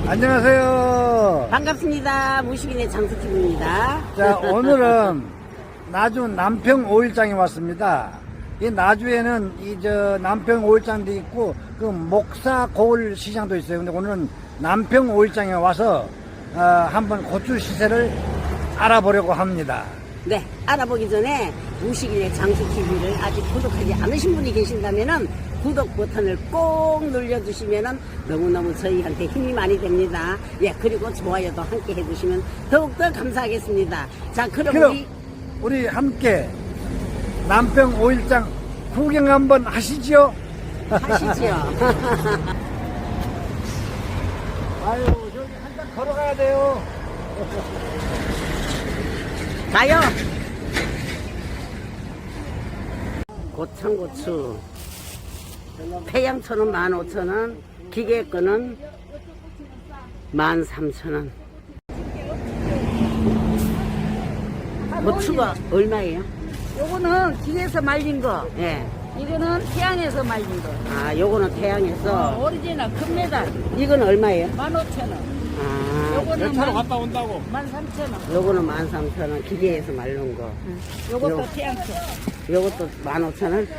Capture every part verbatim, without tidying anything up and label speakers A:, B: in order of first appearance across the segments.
A: 안녕하세요.
B: 반갑습니다. 무식인의 장수집입니다.
A: 자, 오늘은 나주 남평 오일장에 왔습니다. 이 나주에는 이 저 남평 오일장도 있고 그 목사 고을 시장도 있어요. 근데 오늘은 남평 오일장에 와서 어, 한번 고추 시세를 알아보려고 합니다.
B: 네, 알아보기 전에 무식인의 장수티비를 아직 구독하지 않으신 분이 계신다면은 구독 버튼을 꼭 눌러주시면은 너무너무 저희한테 힘이 많이 됩니다. 예, 그리고 좋아요도 함께 해주시면 더욱더 감사하겠습니다. 자, 그럼,
A: 그럼
B: 우리
A: 우리 함께 남평 오일장 구경 한번 하시죠.
B: 하시죠.
A: 아유, 저기 한참 걸어가야 돼요.
B: 가요. 고창고추 태양초는 만 오천 원, 기계 거는 만 삼천 원. 고추가 얼마예요?
C: 요거는 기계에서 말린 거.
B: 예.
C: 이거는 태양에서 말린 거.
B: 아, 요거는 태양에서.
C: 어, 오리지널 금메달
B: 이건 얼마예요?
C: 만 오천 원.
B: 아,
C: 요거는 만,
A: 갔다 온다고.
C: 만 삼천 원.
B: 요거는 만 삼천 원, 기계에서 말른 거.
C: 요것도
B: 요-
C: 태양초.
B: 요것도 만 오천 원?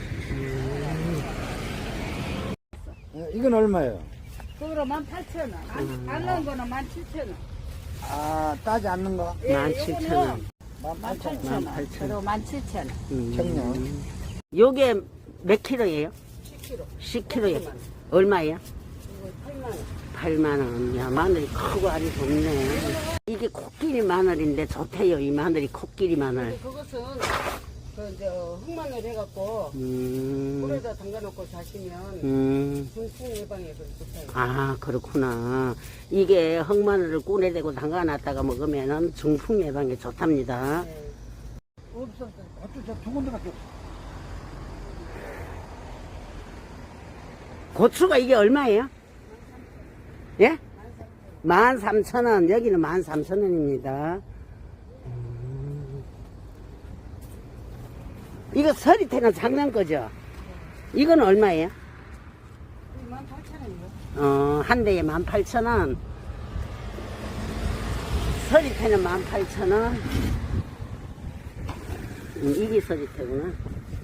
A: 이건 얼마예요?
C: 그거로 만 팔천 원. 안, 안 넣은 거는 만 칠천 원.
A: 아, 따지 않는 거?
B: 만 칠천 원.
C: 만 팔천 원.
B: 만 팔천 원.
C: 그리고 만 칠천 원.
B: 음.
A: 청년.
B: 요게 몇 킬로예요?
C: 십 킬로.
B: 십 킬로에 얼마예요?
C: 팔만 원.
B: 팔만 원. 야, 마늘이 크고 아주 좋네. 이게 코끼리 마늘인데 좋대요. 이 마늘이 코끼리 마늘.
C: 그것은 그 이제 흑마늘 해갖고
B: 음,
C: 물에다 담가놓고 자시면
B: 음.
C: 중풍 예방에 그 좋다요.
B: 아, 그렇구나. 이게 흑마늘을 꿀에 대고 담가놨다가 먹으면은 중풍 예방에 좋답니다.
C: 네.
A: 없어. 고추 저두 군데밖에 없어.
B: 고추가 이게 얼마예요? 예? 만 삼천 원. 여기는 만 삼천 원입니다. 음. 이거 서리태는 작년 거죠? 이건 얼마예요?
C: 만 팔천 원이요.
B: 어, 한 대에 만 팔천 원. 서리태는 만 팔천 원. 음, 이게 서리태구나.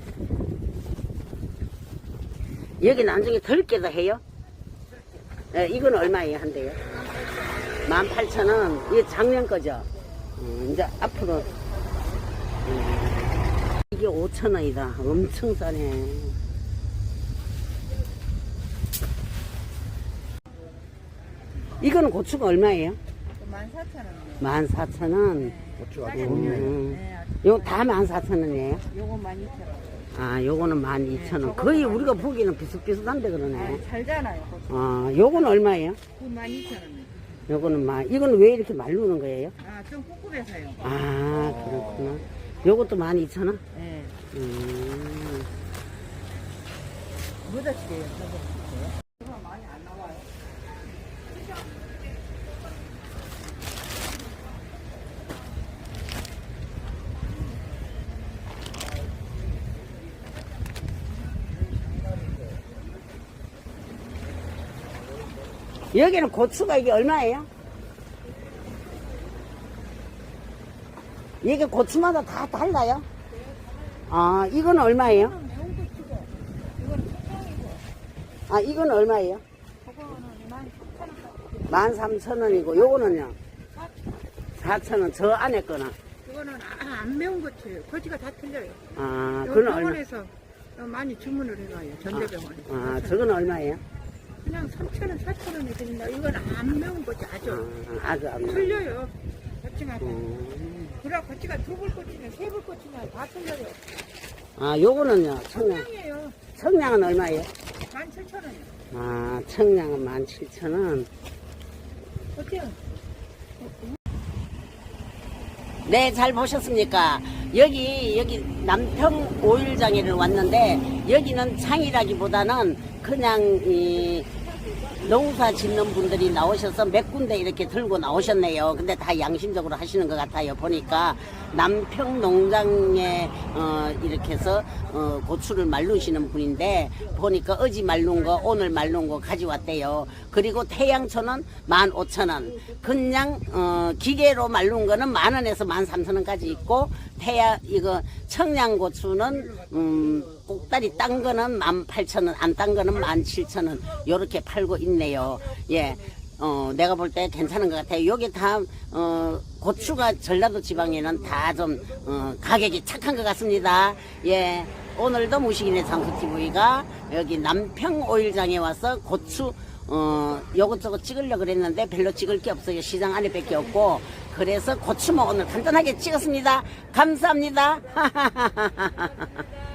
B: 여기 나중에 덜 깨도 해요? 예, 이건 얼마예요, 한 대요? 만 팔천 원. 이게 작년 거죠? 음, 이제 앞으로. 음, 이게 오천 원이다. 엄청 싸네. 이거는 고추가 얼마예요?
C: 만 사천 원이요.
B: 만 사천 원.
A: 고추가
B: 음.
C: 네,
B: 요 다 만 사천 원이에요?
C: 요거 만 이천 원.
B: 아, 요거는 만 이천 원. 거의 우리가 보기에는 비슷비슷한데 그러네.
C: 아, 살잖아요.
B: 아, 요거는 얼마예요?
C: 그만 이천 원.
B: 요거는 만, 이거는 왜 이렇게 말르는 거예요?
C: 아, 좀 꿉꿉해서요.
B: 아, 그렇구나. 요것도 만 이천 원?
C: 네.
B: 음.
C: 묻어치게요. 묻어치게요. 이거 많이 안 나와요.
B: 여기는 고추가 이게 얼마예요? 이게 고추마다 다 달라요? 아, 이건 얼마예요?
C: 매운 거 치고, 이건 초장이고,
B: 아, 이건 얼마예요?
C: 그거는 만 삼천 원.
B: 만 삼천 원이고, 요거는요? 사천 원. 저 안에 거는?
C: 이거는 아, 안 매운 거 쳐요. 거지가 다 틀려요.
B: 아,
C: 요
B: 그건 얼마?
C: 병원에서 많이 주문을 해가요. 전대병원에.
B: 아, 저건 얼마예요?
C: 그냥 삼천 원, 사천 원이 드린다. 이건 안 매운 거지, 아주.
B: 아, 아주 안 매워.
C: 틀려요. 거치가 다.
B: 음.
C: 그래, 거치가 두 불 꼬치나 세 불 꼬치나 다 틀려요.
B: 아, 요거는요? 청량.
C: 청량이에요.
B: 청량은 얼마예요?
C: 만 칠천 원이요.
B: 아, 청량은 만 칠천 원.
C: 어때요?
B: 네, 잘 보셨습니까? 여기, 여기 남평 오일장에를 왔는데, 여기는 장이라기보다는 그냥, 이, 농사 짓는 분들이 나오셔서 몇 군데 이렇게 들고 나오셨네요. 근데 다 양심적으로 하시는 것 같아요. 보니까 남평 농장에 어, 이렇게 해서 어, 고추를 말르시는 분인데 보니까 어제 말른 거 오늘 말른 거 가져왔대요. 그리고 태양초는 만 오천 원, 그냥 어, 기계로 말른 거는 만 원에서 만 삼천 원까지 있고 태양 이거 청양고추는 음, 꼭다리 딴 거는 만 팔천 원, 안 딴 거는 만 칠천 원 요렇게 팔고 있네요. 예. 어, 내가 볼 때 괜찮은 것 같아요. 여기 다, 어, 고추가 전라도 지방에는 다 좀, 어, 가격이 착한 것 같습니다. 예. 오늘도 무식인의 장수티비가 여기 남평 오일장에 와서 고추, 어, 요것저것 찍으려고 그랬는데 별로 찍을 게 없어요. 시장 안에 밖에 없고. 그래서 고추만 오늘 간단하게 찍었습니다. 감사합니다.